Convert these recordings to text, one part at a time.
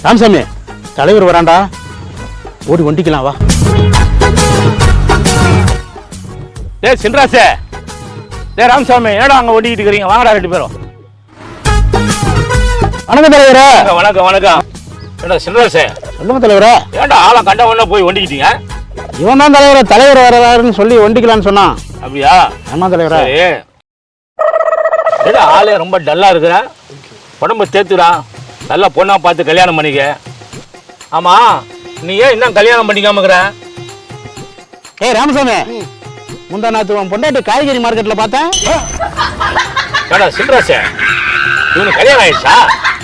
ராமசாமி, தலைவர் வராண்டா, ஓடி ஒண்டிக்கலாம் வா. டேய் சின்ராசே, டேய் ராமசாமி, என்னடா அங்க ஒண்டிக்கிட்டு இருக்கீங்க? வாங்கடா ரெண்டு பேரும். வணக்கம் தலைவரே. வணக்கம் வணக்கம். ஏடா சின்ராசே, சொல்லுங்க தலைவரே. ஏன்டா ஆளா கண்ட ஒண்ணா போய் ஒண்டிக்கிட்டீங்க? இவன் தான் தலைவர், தலைவர் வரவாருன்னு சொல்லி ஒண்டிக்கலான்னு சொன்னான். அப்படியா? ஆமா தலைவரே. ஏடா ஆளே ரொம்ப டல்லா இருக்கிற, உடம்பு தேத்துடா, நல்லா பொண்ணா பார்த்து கல்யாணம் பண்ணிக்க. ஆமா, நீ ஏன் இன்னும் கல்யாணம் பண்ணிக்காம இருக்கிற? ஏய் ராமசாமி, முந்தா நாத்து உன் பொண்டாட்டி காய்கறி மார்க்கெட்ல பார்த்தேன். ஏடா சின்ராசே, இவனுக்கு கல்யாணம் ஆயிடுச்சா?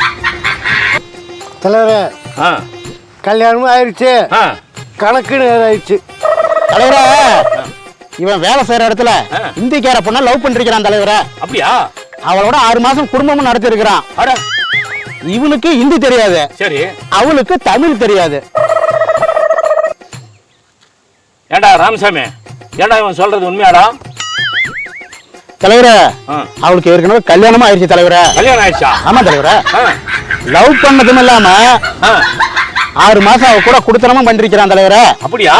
தலைவரே, கல்யாணமும் ஆயிடுச்சு, ஆ கணக்கு ஆயிடுச்சு. தலைவரே, இவன் வேலை செய்யற இடத்துல இந்திக்கார பொண்ணா லவ் பண்ணிருக்கிறான் தலைவரே. அப்படியா? அவளோட 6 மாசம் குடும்பமும் நடத்தி இருக்கிறான். அட, இவனுக்கு ஹிந்தி தெரியாது, சரி. அவளுக்கு தமிழ் தெரியாது. ஏண்டா ராமசாமி, ஏண்டா இவன் சொல்றது உண்மையாடா? தலைவரே, அவளுக்கு ஏற்கனவே கல்யாணமா ஆயிடுச்சு தலைவரே. கல்யாணம் ஆயிடுச்சா? ஆமா தலைவரே. லவ் பண்ணதும் இல்லாம 6 மாசம் அவ கூட குடுத்தனமும் பண்ணிருக்கிறான் தலைவரே. அப்படியா?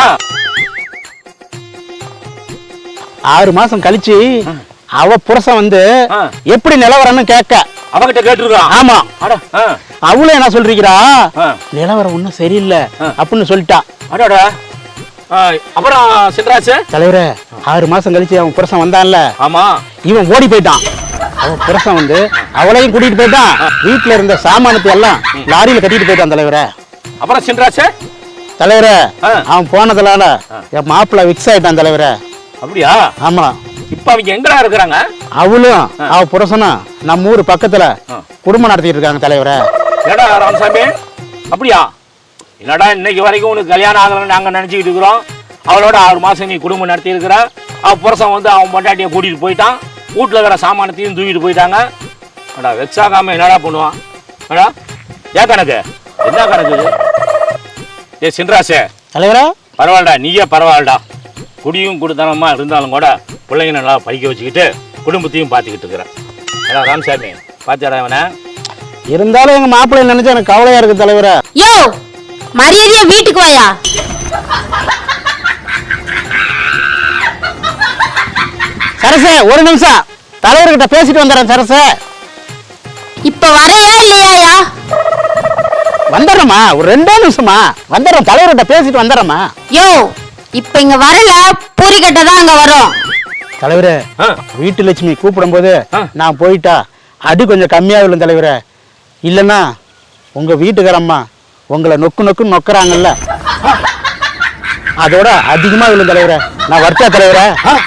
6 மாசம் கழிச்சு அவ புருஷன் வந்து எப்படி நிலவரம்னு கேட்க அவகிட்ட கேட்டுருக்கான். ஆமா. அவளும் என்ன சொல்றீங்களா, நிலவரம் ஒன்னும் சரியில்லை அப்படின்னு சொல்லிட்டா. அப்புறம் சின்ராசு தலைவரே, 6 மாசம் கழிச்சு அவன் புருஷன் வந்தான்ல, ஆமா, இவன் ஓடி போயிட்டான். அவன் புருஷன் வந்து அவளையும் கூட்டிட்டு போயிட்டான். வீட்டுல இருந்த சாமானத்தை எல்லாம் லாரியில கட்டிட்டு போயிட்டான் தலைவரே. அப்புறம் சின்ராசு தலைவரே, அவன் போனதுனால என் மாப்பிள்ள விக்ஸ் ஆயிட்டான் தலைவரே. அப்படியா? ஆமா. இப்ப அவங்க எங்கடா இருக்கிறாங்க? அவளும் அவ புருஷனும் நம்ம ஊரு பக்கத்துல குடும்பம் நடத்திட்டு இருக்காங்க தலைவரே. ஏடா ராமசாமி, அப்படியா? என்னடா இன்னைக்கு வரைக்கும் உனக்கு கல்யாணம் ஆகலன்னு நாங்க நினைச்சுக்கிட்டு இருக்கிறோம். அவளோட 6 மாசம் நீ குடும்பம் நடத்தி இருக்கிற. அவ புருஷன் வந்து அவன் பொண்டாட்டியை கூட்டிட்டு போயிட்டான். வீட்டுல இருக்கிற சாமானத்தையும் தூக்கிட்டு போயிட்டாங்க. அடா வெக்ஸ் ஆகாம என்னடா பண்ணுவான்? அடா ஏன் கணக்கு, என்ன கணக்கு இது? ஏ சின்ராசே தலைவரா, பரவாயில்லடா, நீயே பரவாயில்லடா. குடியும் குடுத்தனமா இருந்தாலும் கூட பிள்ளைங்க நல்லா படிக்க வச்சுக்கிட்டு குடும்பத்தையும் பார்த்துக்கிட்டு இருக்கிறேன். ஏடா ராமசாமி, பாத்தியாடா இவனை? இருந்தாலும் எங்க மாப்பிள்ளை நினைச்சா எனக்கு கவலையா இருக்கு தலைவரே. யோ, மரியாதையா வீட்டுக்கு வாயா. சரசே, ஒரு நிமிஷம் தலைவர்கிட்ட பேசிட்டு வந்துடுறேன். சரசே, இப்ப வரையா இல்லையாயா? வந்துடுறேம்மா, ஒரு 2 நிமிஷமா வந்துடுறேன். தலைவர்கிட்ட பேசிட்டு வந்துடுறேம்மா. யோ, இப்ப இங்க வரல, பூரிக்கட்ட தான் அங்க வரும். தலைவரே, வீட்டு லட்சுமி கூப்பிடும் போது நான் போயிட்டா அடி கொஞ்சம் கம்மியா விழும் தலைவரே. இல்லைன்னா உங்க வீட்டுக்காரம்மா உங்களை நொக்கு நொக்குன்னு நொக்குறாங்கல்ல, அதோட அதிகமா விழும் தலைவரே. நான் வரட்டா தலைவரே.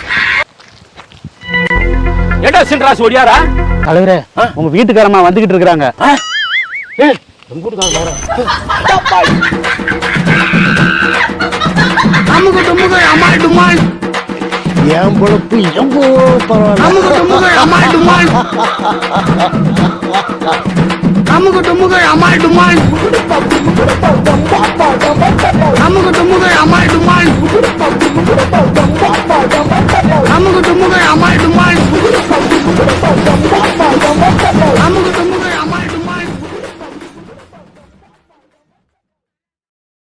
ஏடா சின்ராசு ஓடியாரா? தலைவரே, உங்க வீட்டுக்காரம்மா வந்துகிட்டு இருக்கிறாங்க. என் பொழப்பு எவ்வளோ பரவாயில்ல.